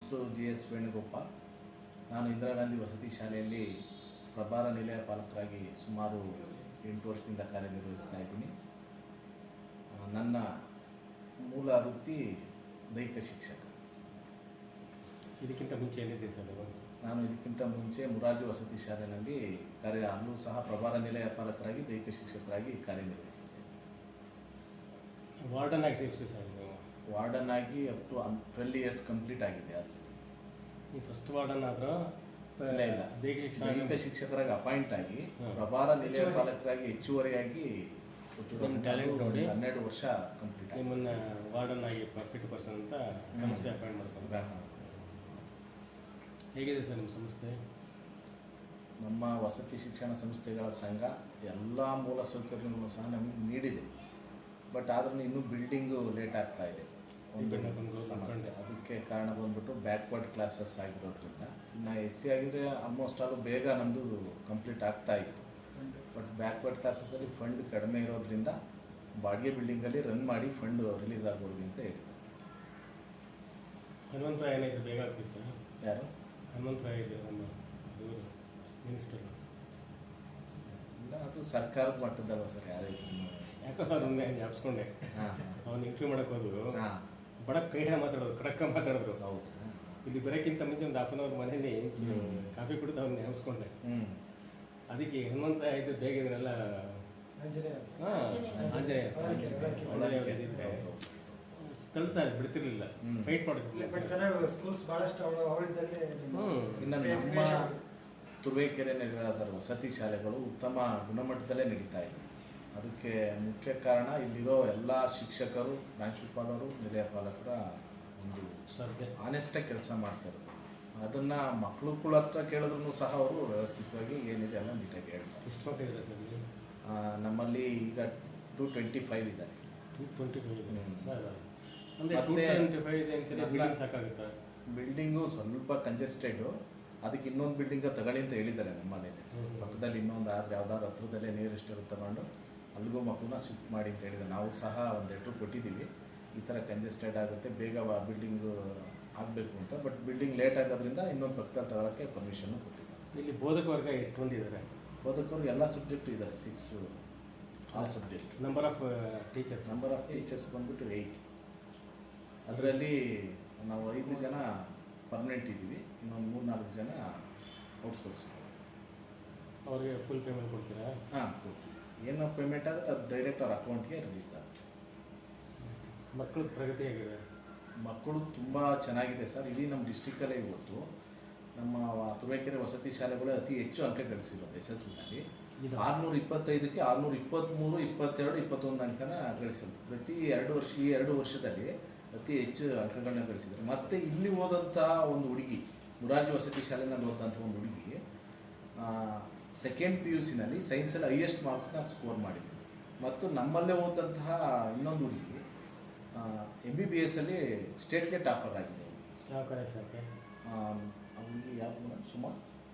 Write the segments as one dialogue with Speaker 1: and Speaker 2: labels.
Speaker 1: GS Venugopal. ನಾನು ಇಂದಿರಾ ಗಾಂಧಿ ವಸತಿ ಶಾಲೆಯಲ್ಲಿ ಪ್ರಭಾರ ನಿಲಯ ಪಾಲಕರಾಗಿ ಸುಮಾರು 8 ವರ್ಷದಿಂದ ಕಾರ್ಯನಿರ್ವಹಿಸ್ತಾ ಇದ್ದೀನಿ. ನನ್ನ ಮೂಲ ವೃತ್ತಿ ದೈಹಿಕ ಶಿಕ್ಷಕ.
Speaker 2: ಇದಕ್ಕಿಂತ ಮುಂಚೆ ಏನಿದೆ ಸರ್?
Speaker 1: ನಾನು ಇದಕ್ಕಿಂತ ಮುಂಚೆ ಮುರಾರ್ಜಿ ವಸತಿ ಶಾಲೆಯಲ್ಲಿ ಅಲ್ಲೂ ಸಹ ಪ್ರಭಾರ ನಿಲಯ ಪಾಲಕರಾಗಿ ದೈಹಿಕ ಶಿಕ್ಷಕರಾಗಿ ಕಾರ್ಯನಿರ್ವಹಿಸಿದೆ.
Speaker 2: ವಾರ್ಡನ್ ಆಗಿ ಎಷ್ಟು ಸರ್?
Speaker 1: ವಾರ್ಡನ್ ಆಗಿ ಅಪ್ ಟು 12 ಇಯರ್ಸ್ ಕಂಪ್ಲೀಟ್ ಆಗಿದೆ. ಅದು
Speaker 2: ನೀವು ಫಸ್ಟ್ ವಾರ್ಡನ್ ಆದರೂ
Speaker 1: ಇಲ್ಲ, ದೈಹಿಕ ಶಿಕ್ಷಕರಾಗಿ ಅಪಾಯಿಂಟ್ ಆಗಿ ಪ್ರಭಾರ ನಿಲಯ ಪಾಲಕರಾಗಿ ಹೆಚ್ಚುವರಿಯಾಗಿ
Speaker 2: ಟ್ಯಾಲೆಂಟ್ ನೋಡಿ
Speaker 1: 12 ವರ್ಷ ಕಂಪ್ಲೀಟ್ ಆಗಿ
Speaker 2: ನಿಮ್ಮನ್ನು ವಾರ್ಡನ್ ಆಗಿ ಪರ್ಫೆಕ್ಟ್ ಪರ್ಸನ್ ಅಂತ ಸಂಸ್ಥೆ ಅಪಾಯಿಂಟ್ ಮಾಡ್ಕೊಂಡು. ಹೇಗಿದೆ ಸರ್ ನಿಮ್ಮ ಸಂಸ್ಥೆ?
Speaker 1: ನಮ್ಮ ವಸತಿ ಶಿಕ್ಷಣ ಸಂಸ್ಥೆಗಳ ಸಂಘ ಎಲ್ಲ ಮೂಲ ಸೌಕರ್ಯಗಳನ್ನು ಸಹ ನಮಗೆ ನೀಡಿದೆ. ಬಟ್ ಆದ್ರೂ ಇನ್ನೂ ಬಿಲ್ಡಿಂಗು ಲೇಟ್ ಆಗ್ತಾ ಇದೆ. ಒಂದು ಸಮಸ್ಯೆ. ಅದಕ್ಕೆ ಕಾರಣ ಬಂದ್ಬಿಟ್ಟು ಬ್ಯಾಕ್ವರ್ಡ್ ಕ್ಲಾಸಸ್ ಆಗಿರೋದ್ರಿಂದ. ಇನ್ನು SC ಆಗಿದ್ರೆ ಆಲ್ಮೋಸ್ಟ್ ಆಲ್ ಬೇಗ ನಮ್ಮದು ಕಂಪ್ಲೀಟ್ ಆಗ್ತಾ ಇತ್ತು. ಬಟ್ ಬ್ಯಾಕ್ವರ್ಡ್ ಕ್ಲಾಸಸ್ಸಲ್ಲಿ ಫಂಡ್ ಕಡಿಮೆ ಇರೋದ್ರಿಂದ ಬಾಡಿಗೆ ಬಿಲ್ಡಿಂಗಲ್ಲಿ ರನ್ ಮಾಡಿ ಫಂಡ್ ರಿಲೀಸ್ ಆಗೋದು ಅಂತ ಹೇಳಿ.
Speaker 2: ಹನುಮಂತ ಏನಾಯಿತು ಬೇಗ ಆಗ್ತಿತ್ತು?
Speaker 1: ಯಾರು?
Speaker 2: ಹನುಮಂತ ಇದೆ ನಮ್ಮ ಇವರು ಮಿನಿಸ್ಟರ್.
Speaker 1: ಇಲ್ಲ, ಅದು ಸರ್ಕಾರದ ಮಟ್ಟದಲ್ಲ ಸರ್. ಯಾರೈತಿ
Speaker 2: ಯಾಕಂದ್ರೆ ಜ್ಞಾಪಿಸ್ಕೊಂಡೆ. ಅವ್ನು ಇಂಟರ್ವ್ಯೂ ಮಾಡೋಕೆ ಹೋದ್ರು, ಬಡಕ್ ಕೈಡ ಮಾತಾಡೋದು, ಕಡಕ್ಕ ಮಾತಾಡಿದ್ರು.
Speaker 1: ಹೌದು.
Speaker 2: ಇಲ್ಲಿ ಬರೋಕ್ಕಿಂತ ಮುಂಚೆ ಒಂದು ಹಾಫ್ ಅನ್ ಅವರ್ ಮನೇಲಿ ಕಾಫಿ ಕುಡಿದು ಅವ್ನು ಜ್ಞಾಪಿಸ್ಕೊಂಡೆ. ಅದಕ್ಕೆ ಹನುಮಂತ ಇದು ಬೇಗ ಇದನ್ನೆಲ್ಲ ಆಂಜನೇಯ ಇದ್ದಿದ್ರೆ ತಳ್ತಾ ಬಿಡ್ತಿರ್ಲಿಲ್ಲ, ಫೈಟ್
Speaker 3: ಮಾಡ್ತಿರ್ಲಿಲ್ಲ. ಸ್ಕೂಲ್ಸ್ ಭಾಳಷ್ಟು ಅವರಿದ್ದಲ್ಲಿ
Speaker 1: ನಮ್ಮ ತುರುವೇಕೆರೆ ನಗರದ ವಸತಿ ಶಾಲೆಗಳು ಉತ್ತಮ ಗುಣಮಟ್ಟದಲ್ಲೇ ನಡೀತಾ ಇದೆ. ಅದಕ್ಕೆ ಮುಖ್ಯ ಕಾರಣ ಇಲ್ಲಿರೋ ಎಲ್ಲ ಶಿಕ್ಷಕರು, ಪ್ರಾಂಶುಪಾಲರು, ನಿಲಯ ಪಾಲಕರ ಒಂದು ಆನೆಸ್ಟಾಗಿ ಕೆಲಸ ಮಾಡ್ತಾರೆ. ಅದನ್ನು ಮಕ್ಕಳು ಹತ್ರ ಕೇಳಿದ್ರು ಸಹ ಅವರು ವ್ಯವಸ್ಥಿತವಾಗಿ ಏನಿದೆ ಎಲ್ಲ ನೀಟಾಗಿ ಹೇಳ್ತಾರೆ.
Speaker 2: ಎಷ್ಟು ಮಕ್ಕಳಿದೆ ಸರ್?
Speaker 1: ನಮ್ಮಲ್ಲಿ ಈಗ 225 ಇದ್ದಾರೆ.
Speaker 2: 225 ಸಾಕಾಗುತ್ತಾ?
Speaker 1: ಬಿಲ್ಡಿಂಗು ಸ್ವಲ್ಪ ಕಂಜೆಸ್ಟೆಡು. ಅದಕ್ಕೆ ಇನ್ನೊಂದು ಬಿಲ್ಡಿಂಗ್ ತಗೊಳ್ಳಿ ಅಂತ ಹೇಳಿದ್ದಾರೆ ನಮ್ಮ ಮನೇಲಿ. ಪಕ್ಕದಲ್ಲಿ ಇನ್ನೊಂದು ಆದರೆ ಯಾವ್ದಾದ್ರು ಹತ್ರದಲ್ಲೇ ನಿಯರೆಸ್ಟ್ ಇರುತ್ತೆ ತಗೊಂಡು ಅಲ್ಲಿಗೂ ಮಕ್ಕಳನ್ನ ಶಿಫ್ಟ್ ಮಾಡಿ ಅಂತ ಹೇಳಿದ್ದಾರೆ. ನಾವು ಸಹ ಒಂದು ಲೆಟ್ರ್ ಕೊಟ್ಟಿದ್ದೀವಿ, ಈ ಥರ ಕಂಜೆಸ್ಟೆಡ್ ಆಗುತ್ತೆ, ಬೇಗ ಬಿಲ್ಡಿಂಗು ಆಗಬೇಕು ಅಂತ. ಬಟ್ ಬಿಲ್ಡಿಂಗ್ ಲೇಟ್ ಆಗೋದ್ರಿಂದ ಇನ್ನೊಂದು ಪಕ್ಕದಲ್ಲಿ ತಗೊಳ್ಳೋಕ್ಕೆ ಪರ್ಮಿಷನ್ನು ಕೊಟ್ಟಿದ್ದಾರೆ.
Speaker 2: ಇಲ್ಲಿ ಬೋಧಕ ವರ್ಗ ಎಷ್ಟು ಮಂದಿ ಇದ್ದಾರೆ?
Speaker 1: ಬೋಧಕರು ಎಲ್ಲ ಸಬ್ಜೆಕ್ಟು ಇದ್ದಾರೆ, 6 all subject.
Speaker 2: Number of teachers
Speaker 1: ಬಂದ್ಬಿಟ್ಟು 8. ಅದರಲ್ಲಿ ನಾವು 5 ಜನ ಪರ್ಮನೆಂಟ್ ಇದ್ದೀವಿ, ಇನ್ನೊಂದು 3-4 ಜನ ಔಟ್ಸೋರ್ಸ್.
Speaker 2: ಅವ್ರಿಗೆ ಫುಲ್ ಪೇಮೆಂಟ್ ಕೊಡ್ತೀರಾ?
Speaker 1: ಹಾಂ, ಕೊಡ್ತೀವಿ. ಏನು ಪೇಮೆಂಟ್ ಆಗುತ್ತೆ ಅದು ಡೈರೆಕ್ಟ್ ಅವ್ರ ಅಕೌಂಟ್ಗೆ ರಿಲೀಸ್ ಆಗುತ್ತೆ.
Speaker 2: ಮಕ್ಕಳ ಪ್ರಗತಿ ಹೇಗಿದೆ? ಮಕ್ಕಳು
Speaker 1: ತುಂಬ ಚೆನ್ನಾಗಿದೆ ಸರ್. ಇಡೀ ನಮ್ಮ ಡಿಸ್ಟಿಕ್ಕಲ್ಲೇ ಇವತ್ತು ನಮ್ಮ ತುರುವೇಕೆರೆ ವಸತಿ ಶಾಲೆಗಳು ಅತಿ ಹೆಚ್ಚು ಅಂಕ ಗಳಿಸಿರೋದು. SSLCನಲ್ಲಿ 625ಕ್ಕೆ 623, 22, 21 ಅಂಕನ ಗಳಿಸಿದ್ರು. ಪ್ರತಿ 2 ವರ್ಷ, ಈ 2 ವರ್ಷದಲ್ಲಿ ಅತಿ ಹೆಚ್ಚು ಅಂಕಗಳನ್ನ ಗಳಿಸಿದ್ದಾರೆ. ಮತ್ತು ಇಲ್ಲಿ ಓದಂಥ ಒಂದು ಹುಡುಗಿ, ಮುರಾರ್ಜಿ ವಸತಿ ಶಾಲೆಯಲ್ಲಿ ಓದಂಥ ಒಂದು ಹುಡುಗಿ ಸೆಕೆಂಡ್ PUCನಲ್ಲಿ ಸೈನ್ಸಲ್ಲಿ ಹೈಯೆಸ್ಟ್ ಮಾರ್ಕ್ಸ್ನ ಸ್ಕೋರ್ ಮಾಡಿದ್ವಿ. ಮತ್ತು ನಮ್ಮಲ್ಲೇ ಓದಂತಹ ಇನ್ನೊಂದು ಹುಡುಗಿ MBBS ಅಲ್ಲಿ ಸ್ಟೇಟ್ಗೆ ಟಾಪರ್ ಆಗಿದೆ.
Speaker 2: ಯಾವ ಕಾಲೇಜ್ ಸರ್?
Speaker 1: ಅವ್ರಿಗೆ ಯಾವುದು? Suma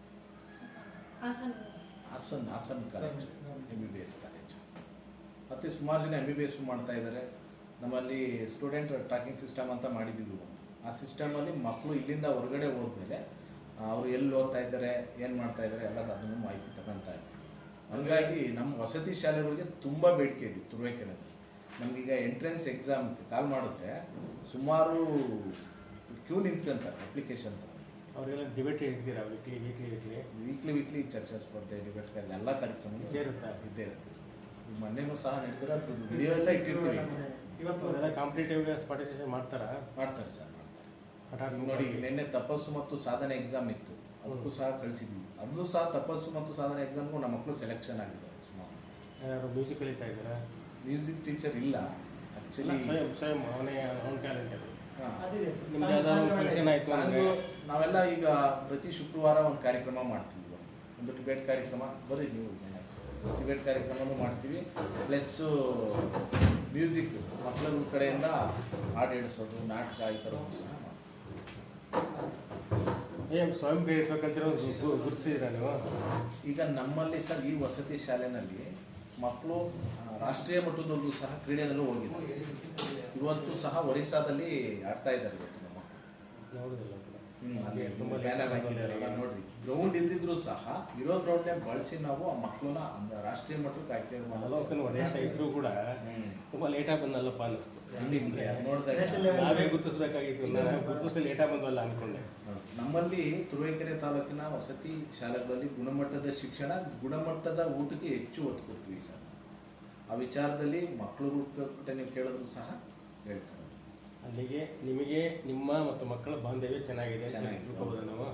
Speaker 1: Hassan college, MBBS college. ಮತ್ತು ಸುಮಾರು ಜನ MBBS ಮಾಡ್ತಾ ಇದ್ದಾರೆ. ನಮ್ಮಲ್ಲಿ ಸ್ಟೂಡೆಂಟ್ ಟ್ರ್ಯಾಕಿಂಗ್ ಸಿಸ್ಟಮ್ ಅಂತ ಮಾಡಿದ್ದೀವಿ. ಆ ಸಿಸ್ಟಮಲ್ಲಿ ಮಕ್ಕಳು ಇಲ್ಲಿಂದ ಹೊರಗಡೆ ಹೋದ್ಮೇಲೆ ಅವರು ಎಲ್ಲಿ ಓದ್ತಾ ಇದ್ದಾರೆ, ಏನು ಮಾಡ್ತಾ ಇದ್ದಾರೆ ಎಲ್ಲ ಅದನ್ನು ಮಾಹಿತಿ ತಗೊಳ್ತಾ ಇದ್ದಾರೆ. ಹಾಗಾಗಿ ನಮ್ಮ ವಸತಿ ಶಾಲೆಗಳಿಗೆ ತುಂಬ ಬೇಡಿಕೆ ಇದೆ ತುರುವೇಕೆರೆಯಲ್ಲಿ. ನಮಗೀಗ ಎಂಟ್ರೆನ್ಸ್ ಎಕ್ಸಾಮ್ಗೆ ಕಾಲ್ ಮಾಡಿದ್ರೆ ಸುಮಾರು ಕ್ಯೂ ನಿಂತ್ಕೊಂತಾರೆ ಅಪ್ಲಿಕೇಶನ್ ತಗೊಂಡು.
Speaker 2: ಅವರೆಲ್ಲ ಡಿಬೇಟ್ ಇಡ್ತೀರಾ? ವೀಕ್ಲಿ
Speaker 1: ಚರ್ಚಾ ಸ್ಪರ್ಧೆ, ಡಿಬೇಟ್ ಎಲ್ಲ ಕಾರ್ಯಕ್ರಮ ಇದ್ದೇ ಇರುತ್ತೆ. ಮೊನ್ನೆನೂ ಸಹ ನಡೆದಿರೋ ವಿಡಿಯೋ ಎಲ್ಲ ಇಟ್ಟಿರ್ತೀವಿ.
Speaker 2: ಇವತ್ತು ಕಾಂಪಿಟೇಟಿವ್ ಪಾರ್ಟಿಸಿಪೇಟ್ ಮಾಡ್ತಾರೆ ಸರ್.
Speaker 1: ಮಾಡ್ತಾರೆ ನೋಡಿ. ನಿನ್ನೆ ತಪಸ್ಸು ಮತ್ತು ಸಾಧನೆ ಎಕ್ಸಾಮ್ ಇತ್ತು, ಅದಕ್ಕೂ ಸಹ ಕಳಿಸಿದ್ವಿ. ಅದನ್ನು ಸಹ ತಪಸ್ಸು ಮತ್ತು ಸಾಧನೆ ಎಕ್ಸಾಮ್ಗೂ ನಮ್ಮ ಮಕ್ಕಳು ಸೆಲೆಕ್ಷನ್ ಆಗಿದ್ದಾರೆ. ಸುಮಾರು
Speaker 2: ಯಾರು ಮ್ಯೂಸಿಕ್ ಕಲಿತಾ ಇದ್ದಾರೆ?
Speaker 1: ಮ್ಯೂಸಿಕ್ ಟೀಚರ್ ಇಲ್ಲ ಆ್ಯಕ್ಚುಲಿ,
Speaker 2: ಸ್ವಯಂ ಅವನ ಟ್ಯಾಲೆಂಟ್ ಅದು.
Speaker 1: ನಾವೆಲ್ಲ ಈಗ ಪ್ರತಿ ಶುಕ್ರವಾರ ಒಂದು ಕಾರ್ಯಕ್ರಮ ಮಾಡ್ತೀವಿ. ಒಂದು ಡಿಬೇಟ್ ಕಾರ್ಯಕ್ರಮ, ಬರ್ರಿ ನೀವು, ಡಿಬೇಟ್ ಕಾರ್ಯಕ್ರಮನೂ ಮಾಡ್ತೀವಿ. ಪ್ಲಸ್ಸು ಮ್ಯೂಸಿಕ್ ಮಕ್ಕಳ ಕಡೆಯಿಂದ ಹಾಡು ಹೇಳಿಸೋದು, ನಾಟಕ, ಈ ಥರ ಸಹ ಮಾಡ್ತೀವಿ.
Speaker 2: ಸ್ವಯಂ ಪ್ರೇರಿಸಬೇಕಂತಿರೋ ಗುರುತಿಸಿದ್ದೀರಾ ನೀವು?
Speaker 1: ಈಗ ನಮ್ಮಲ್ಲಿ ಸರ್ ಈ ವಸತಿ ಶಾಲೆಯಲ್ಲಿ ಮಕ್ಕಳು ರಾಷ್ಟ್ರೀಯ ಮಟ್ಟದಲ್ಲೂ ಸಹ ಕ್ರೀಡೆಯಲ್ಲೂ ಹೋಗಿದ್ದಾರೆ. ಇವತ್ತು ಸಹ ಒರಿಸ್ಸಾದಲ್ಲಿ ಆಡ್ತಾ ಇದ್ದಾರೆ ಇವತ್ತು ನಮ್ಮ ಮಕ್ಕಳು.
Speaker 2: ನೋಡೋದಿಲ್ಲ. ಅಲ್ಲಿ ತುಂಬ
Speaker 1: ಬ್ಯಾನರ್ ಹಾಕಿದಾರಲ್ಲ ನೋಡ್ರಿ. ಗ್ರೌಂಡ್ ಇಲ್ದಿದ್ರು ಸಹ ಇರೋ ಗ್ರೌಂಡ್ನೇ ಬಳಸಿ ನಾವು ಆ ಮಕ್ಕಳನ್ನ ರಾಷ್ಟ್ರೀಯ ಮಟ್ಟಕ್ಕೆ ಆಯ್ಕೆ
Speaker 2: ಅವಲೋಕನ ಒಡೆಯ ಇದ್ರೂ ಕೂಡ ತುಂಬ ಲೇಟಾಗಿ ಬಂದಲ್ಲಪ್ಪ ಅನ್ನಿಸ್ತು.
Speaker 1: ನೋಡಿದಾಗ
Speaker 2: ನಾವೇ ಗುರುತಿಸ್ಬೇಕಾಗಿತ್ತು, ನಾನು ಗುರುತಿಸಿ ಲೇಟಾಗಿ ಬಂದವಲ್ಲ ಅಂದ್ಕೊಂಡೆ.
Speaker 1: ನಮ್ಮಲ್ಲಿ ತುರುವೇಕೆರೆ ತಾಲೂಕಿನ ವಸತಿ ಶಾಲೆಗಳಲ್ಲಿ ಗುಣಮಟ್ಟದ ಶಿಕ್ಷಣ, ಗುಣಮಟ್ಟದ ಊಟಕ್ಕೆ ಹೆಚ್ಚು ಒತ್ತು ಕೊಡ್ತೀವಿ ಸರ್. ಆ ವಿಚಾರದಲ್ಲಿ ಮಕ್ಕಳು ನೀವು ಕೇಳಿದ್ರು ಸಹ ಹೇಳ್ತಾರೆ.
Speaker 2: ಅಲ್ಲಿಗೆ ನಿಮಗೆ ನಿಮ್ಮ ಮತ್ತು ಮಕ್ಕಳ ಬಾಂಧವ್ಯ ಚೆನ್ನಾಗಿದೆ ತಿಳ್ಕೊಬೋದು ನಾವು.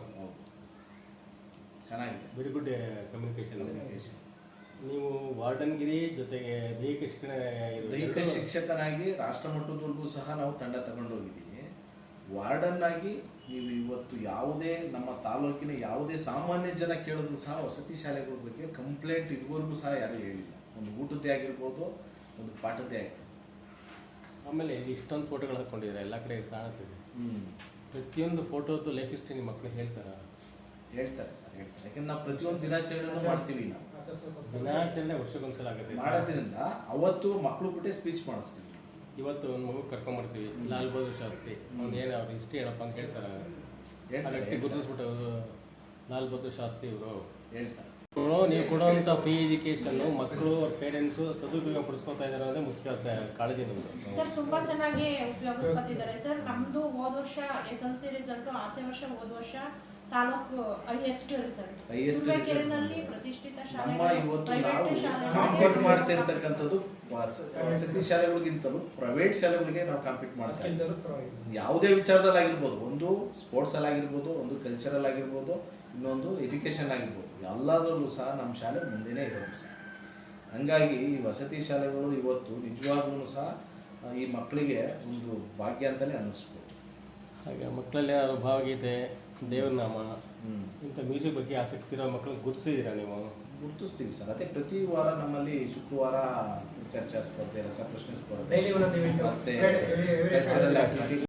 Speaker 1: ಚೆನ್ನಾಗಿದೆ,
Speaker 2: ವೆರಿ ಗುಡ್ ಕಮ್ಯುನಿಕೇಶನ್. ನೀವು ವಾರ್ಡನ್ಗಿರಿ ಜೊತೆಗೆ ದೈಹಿಕ
Speaker 1: ಶಿಕ್ಷಕನಾಗಿ ರಾಷ್ಟ್ರ ಮಟ್ಟದವರೆಗೂ ಸಹ ನಾವು ತಂಡ ತಗೊಂಡೋಗಿದ್ದೀವಿ. ವಾರ್ಡನ್ ಆಗಿ ನೀವು ಇವತ್ತು ಯಾವುದೇ ನಮ್ಮ ತಾಲೂಕಿನ ಯಾವುದೇ ಸಾಮಾನ್ಯ ಜನ ಕೇಳಿದ್ರು ಸಹ ವಸತಿ ಶಾಲೆಗಳ ಬಗ್ಗೆ ಕಂಪ್ಲೇಂಟ್ ಇದುವರೆಗೂ ಸಹ ಯಾರೂ ಹೇಳಿಲ್ಲ. ಒಂದು ಊಟದ್ದೇ ಆಗಿರ್ಬೋದು, ಒಂದು ಪಾಠದ್ದೇ ಆಗಿರ್ಬೋದು.
Speaker 2: ಆಮೇಲೆ ಇಲ್ಲಿ ಇಷ್ಟೊಂದು ಫೋಟೋಗಳು ಹಾಕ್ಕೊಂಡಿದ್ದಾರೆ, ಎಲ್ಲ ಕಡೆ ಕಾಣುತ್ತಿದೆ. ಪ್ರತಿಯೊಂದು ಫೋಟೋದು ಲೈಫ್ ಹಿಸ್ಟ್ರಿ ನಿಮ್ಮ ಮಕ್ಕಳು ಹೇಳ್ತಾರೆ
Speaker 1: ಸರ್, ಹೇಳ್ತಾರೆ. ಯಾಕಂದ್ರೆ ನಾವು ಪ್ರತಿಯೊಂದು ದಿನಾಚರಣೆ ಮಾಡ್ತೀವಿ. ನಾವು
Speaker 2: ದಿನಾಚರಣೆ ವರ್ಷಕ್ಕೊಂದ್ಸಲ ಆಗುತ್ತೆ
Speaker 1: ಮಾಡೋದ್ರಿಂದ ಅವತ್ತು ಮಕ್ಕಳು ಬಿಟ್ಟೆ ಸ್ಪೀಚ್ ಮಾಡಿಸ್ತೀವಿ.
Speaker 2: ಇವತ್ತು ಒಂದು ಮಗು ಕರ್ಕೊಂಡ್ಬರ್ತೀವಿ, ಲಾಲ್ ಬಹದ್ದೂರ್ ಶಾಸ್ತ್ರಿ, ಅವ್ನು ಏನು ಅವ್ರ ಹಿಸ್ಟ್ರಿ ಏನಪ್ಪ ಅಂತ ಹೇಳ್ತಾರೆ. ವ್ಯಕ್ತಿ ಗುರುತಿಸ್ಬಿಟ್ಟು ಲಾಲ್ ಬಹದ್ದೂರ್ ಶಾಸ್ತ್ರಿ ಇವರು
Speaker 1: ಹೇಳ್ತಾರೆ.
Speaker 2: ನೀವು ಕೊಡುವಂಥ ಫ್ರೀ ಎಜುಕೇಶನ್ನು ಮಕ್ಕಳು ಪೇರೆಂಟ್ಸು ಸದುಪಯೋಗ ಪಡಿಸ್ಕೊತಾ ಇದ್ದಾರೆ ಅಂದರೆ ಮುಖ್ಯ ಕಾಳಜಿ ನಮ್ಮದು.
Speaker 4: ಸರ್ ತುಂಬಾ ಚೆನ್ನಾಗಿ ಉಪಯೋಗಿಸ್ಕೊತಿದ್ದಾರೆ ಸರ್. ನಮ್ದು ಹೋದ ವರ್ಷ SLC ರಿಸಲ್ಟು, ಆಚೆ ವರ್ಷ ಹೋದ ವರ್ಷ ತಾಲೂಕು ಹೈಯೆಸ್ಟ್ ರಿಸಲ್ಟ್. ತುರುವೇಕೆರೆನಲ್ಲಿ ಪ್ರತಿಷ್ಠಿತ ಶಾಲೆ,
Speaker 1: ಕಾಂಪೀಟ್ ಮಾಡ್ತಾ ಇರ್ತಕ್ಕಂಥದ್ದು ವಸತಿ ಶಾಲೆಗಳಿಗಿಂತಲೂ ಪ್ರೈವೇಟ್ ಶಾಲೆಗಳಿಗೆ ನಾವು ಕಾಂಪೀಟ್ ಮಾಡ್ತಾ ಇದ್ದೀವಿ. ಯಾವುದೇ ವಿಚಾರದಲ್ಲಿ ಆಗಿರ್ಬೋದು, ಒಂದು ಸ್ಪೋರ್ಟ್ಸ್ ಅಲ್ಲಿ ಆಗಿರ್ಬೋದು, ಒಂದು ಕಲ್ಚರಲ್ ಆಗಿರ್ಬೋದು, ಇನ್ನೊಂದು ಎಜುಕೇಷನ್ ಆಗಿರ್ಬೋದು, ಎಲ್ಲದರಲ್ಲೂ ಸಹ ನಮ್ಮ ಶಾಲೆ ಮುಂದೆನೇ ಇರೋದು ಸರ್. ಹಂಗಾಗಿ ಈ ವಸತಿ ಶಾಲೆಗಳು ಇವತ್ತು ನಿಜವಾಗ್ಲೂ ಸಹ ಈ ಮಕ್ಕಳಿಗೆ ಒಂದು ಭಾಗ್ಯ ಅಂತಲೇ ಅನ್ನಿಸ್ಬೋದು.
Speaker 2: ಹಾಗೆ ಮಕ್ಕಳಲ್ಲಿ ಭಾವಗೀತೆ, ದೇವರನಾಮ, ಇಂಥ ಮ್ಯೂಸಿಕ್ ಬಗ್ಗೆ ಆಸಕ್ತಿ ಇರೋ ಮಕ್ಕಳನ್ನ ಗುರುತಿಸಿದ್ದೀರಾ ನೀವು?
Speaker 1: ಗುರುತಿಸ್ತೀವಿ ಸರ್. ಅದೇ ಪ್ರತಿ ವಾರ ನಮ್ಮಲ್ಲಿ ಶುಕ್ರವಾರ ಚರ್ಚಾ ಸ್ಪರ್ಧೆ, ರಸಪ್ರಶ್ನೆ ಸ್ಪರ್ಧೆ,
Speaker 3: ಡೈಲಿ ಒಂದೊಂದು
Speaker 1: ಮತ್ತೆ ಕಲ್ಚರಲ್ ಆಕ್ಟಿವಿಟಿ